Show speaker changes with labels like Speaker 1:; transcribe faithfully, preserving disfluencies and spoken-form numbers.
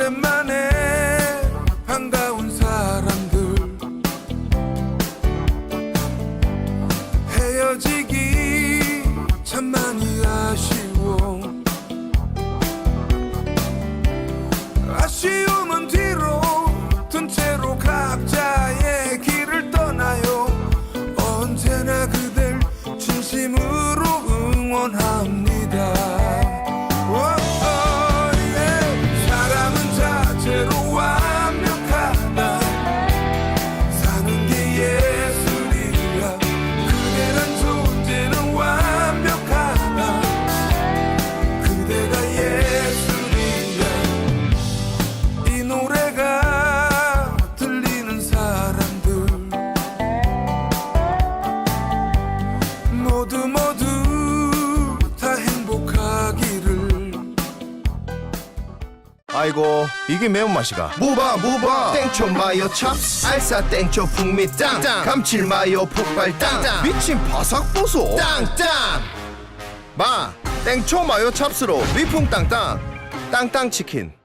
Speaker 1: 오랜만에 반가운 사람들 헤어지기 참 많이 아쉬워. 아쉬움은 뒤로 둔 채로 각자의 길을 떠나요. 언제나 그댈 진심으로 응원합니다. 사람은 자체로 완벽하다. 사는 게 예술이야. 그대란 존재는 완벽하다. 그대가 예술이야. 이 노래가 들리는 사람들 모두 모두 다 행복하기를.
Speaker 2: 아이고 이게 매운맛이가.
Speaker 3: 무바 무바 땡초 마요 찹스 알싸 땡초 풍미 땅 감칠 마요 폭발 땅
Speaker 2: 미친 바삭 보소.
Speaker 3: 땅땅
Speaker 2: 마 땡초 마요 찹스로 위풍 땅땅 땅땅 치킨.